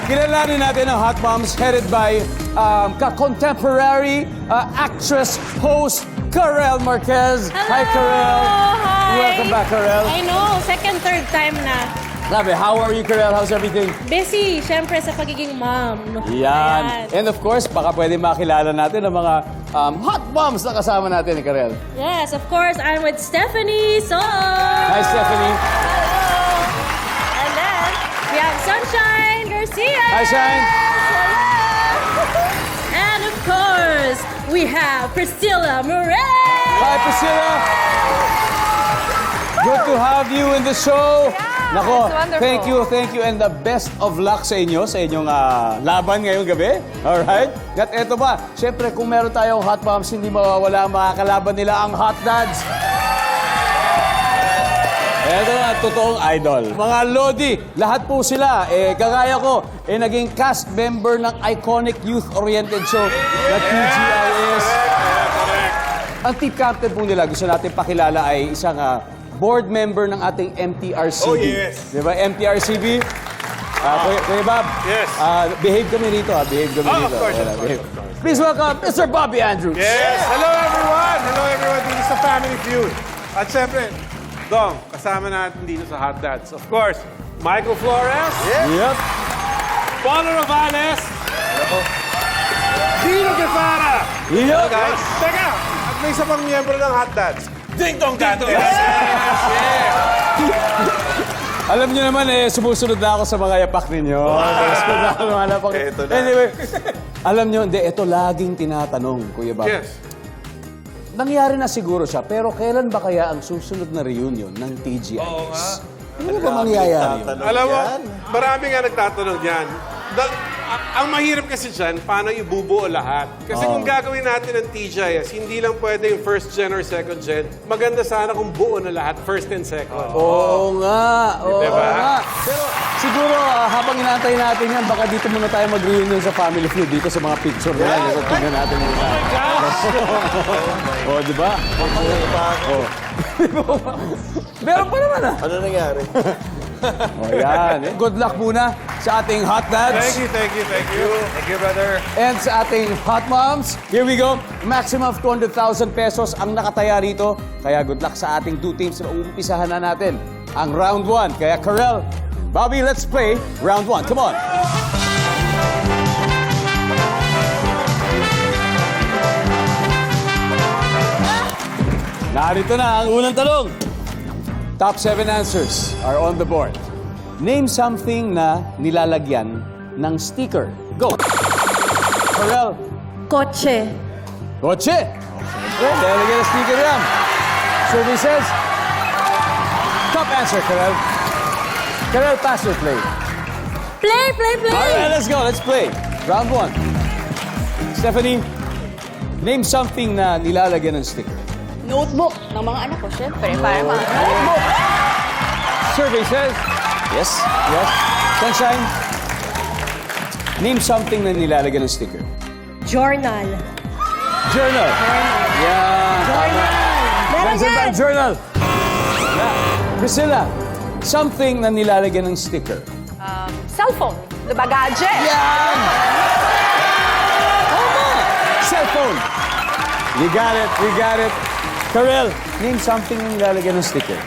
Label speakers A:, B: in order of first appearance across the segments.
A: Kilalanin natin ang Hot Moms headed by contemporary actress, host, Karel Marquez. Hi, Karel.
B: Hi!
A: Welcome back, Karel.
B: I know, second, third time na.
A: Sabi, how are you, Karel? How's everything?
B: Busy, syempre, sa pagiging mom.
A: Yan.
B: Ayan.
A: And of course, baka pwede makilala natin ang mga hot moms na kasama natin ni Karel.
B: Yes, of course, I'm with Stephanie So.
A: Hi, Stephanie.
B: Hello. And then, we have Sunshine Garcia.
A: Hi, Shine.
B: And of course, we have Priscilla Morel.
A: Hi, Priscilla. Good to have you in the show. Nako,
C: it's wonderful.
A: thank you, and the best of luck sa inyo, sa inyong laban ngayong gabi. Alright? At eto ba, syempre kung meron tayong hot moms, hindi mawawala ang makakalaban nila ang hot dads. Eto na, totoong idol. Mga Lodi, lahat po sila, kagaya ko, naging cast member ng iconic youth-oriented show na TGIS. Ang team captain po nila, gusto natin pakilala ay isang board member ng ating MTRCB.
D: Oh, yes.
A: Di ba, MTRCB? Kuya Bob?
D: Yes.
A: Behave kami rito, behave kami
D: Oh,
A: rito.
D: of course,
A: Wala,
D: of course,
A: behave.
D: of course.
A: Please welcome Mr. Bobby Andrews.
D: Yes! Hello everyone! Hello everyone dito sa Family Feud. At syempre, Dong, kasama natin dito sa Hot Dads. Of course, Michael Flores,
A: Yep.
D: Paulo Ravales, Dino Guevara.
A: Yep.
D: Guys, teka! At may isa pang miyembro ng Hot Dads. Ding Dong Dante.
A: Alam niyo naman, sumusunod na ako sa mga yapak ninyo. Sumusunod na ako sa mga yapak.
D: Eto na.
A: Anyway, alam niyo, hindi, ito laging tinatanong, Kuya Bob.
D: Yes.
A: Nangyari na siguro siya, pero kailan ba kaya ang susunod na reunion ng TGIS?
D: Oo nga.
A: Ano ba mangyayari yun?
D: Alam mo, marami nga nagtatanong yan. Ang mahirap kasi dyan, paano ibubuo lahat? Kasi kung gagawin natin ng TGIS, hindi lang pwede yung first gen or second gen. Maganda sana kung buo na lahat, first and second.
A: Oo nga, oo
D: Diba?
A: nga. Pero siguro, habang inaantay natin yan, baka dito muna tayo mag-reunion sa Family Feud, dito sa mga picture na yan. So, tingnan natin yung
D: Oh my gosh!
A: oh, di ba? Oh. Meron pa naman
E: Ano nangyari?
A: Oh, yan. Good luck muna sa ating hot dads.
D: Thank you, thank you, thank you. Thank you, brother.
A: And sa ating hot moms, here we go. Maximum of 200,000 pesos ang nakataya rito. Kaya good luck sa ating two teams na uumpisahan na natin ang round 1. Kaya Karel, Bobby, let's play round 1. Come on. Narito na ang unang tanong. Top 7 answers are on the board. Name something na nilalagyan ng sticker. Go! Karel.
B: Kotse.
A: Kotse. Nilalagyan ng sticker yan. Survey says, top answer, Karel. Karel, pass or play?
B: Play, play, play.
A: All right, let's go. Let's play. Round 1. Stephanie, name something na nilalagyan ng sticker.
C: Notebook ng mga anak ko, syempre. Para mga notebook.
A: Survey says, yes, yes. Sunshine, name something na nilalagyan ng sticker.
B: Journal.
A: Journal. Yeah.
B: Journal. Meron
A: Benson
B: yan.
A: Band Journal. Yeah. Priscilla, something na nilalagyan ng sticker.
C: Cellphone. Diba, gadget?
A: Yan! Tama! Cellphone. You got it, you got it. Karel, name something na nilalagyan ng sticker.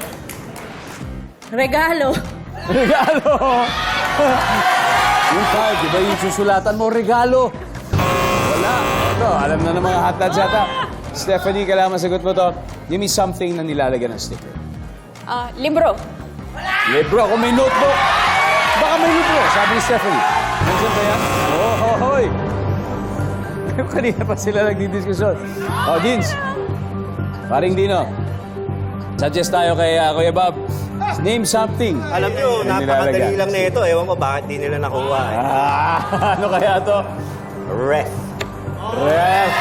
B: Regalo.
A: Regalo! Yung card, di ba yung susulatan mo, regalo? Wala. Ito, alam na ng mga hotdogs yata. Stephanie, kailangan masagot mo to. Give me something na nilalagyan ng sticker.
C: Libro.
A: Libro, kung may notebook. Baka may libro, sabi ni Stephanie. Nandiyan ba yan? Oh, hoy! Kanina pa sila nagdidiskusyon. Oh, Jeans. Paring Dino. Suggest tayo kay Kuya Bob. Name something.
E: Alam nyo,
A: na
E: napakadali
A: nilalagyan.
E: lang na ito. Ewan ko bakit di nila nakuha.
A: Ano kaya to?
E: Ref.
A: Ref.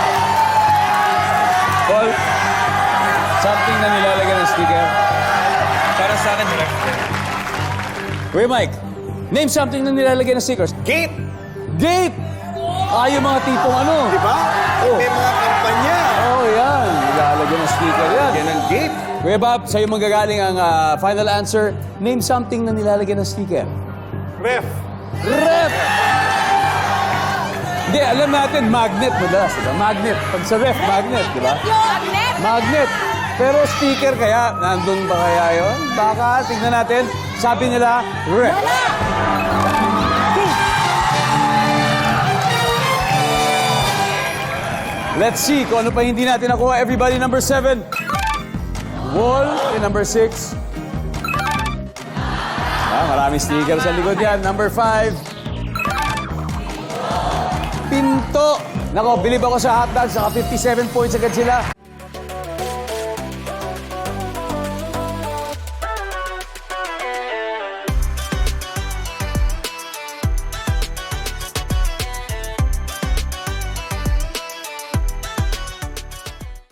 A: Paul, something na nilalagyan ng sticker.
D: Para sa akin, ref.
A: Kuya Mike, name something na nilalagyan ng stickers.
E: Gate!
A: Gate! Yung mga tipong ano.
E: Diba?
A: Oh.
E: May mga kampanya.
A: Oh, yan. Nilalagyan ng sticker yan.
E: Yan ang gate.
A: Kuya Bob, sa'yo manggagaling ang final answer. Name something na nilalagyan ng sticker.
D: Ref.
A: Ref! Hindi, alam natin, magnet madalas, diba? Magnet. Pag sa ref, magnet, di ba?
C: Magnet!
A: Magnet. Pero sticker kaya, nandun ba kaya yun? Baka, tignan natin. Sabi nila, ref. Let's see kung ano pa hindi natin nakuha. Everybody, number 7. Wall, and number 6. Maraming sticker sa likod yan. Number 5. Pinto. Nako, bilib ako sa hotdog. Saka 57 points agad sila.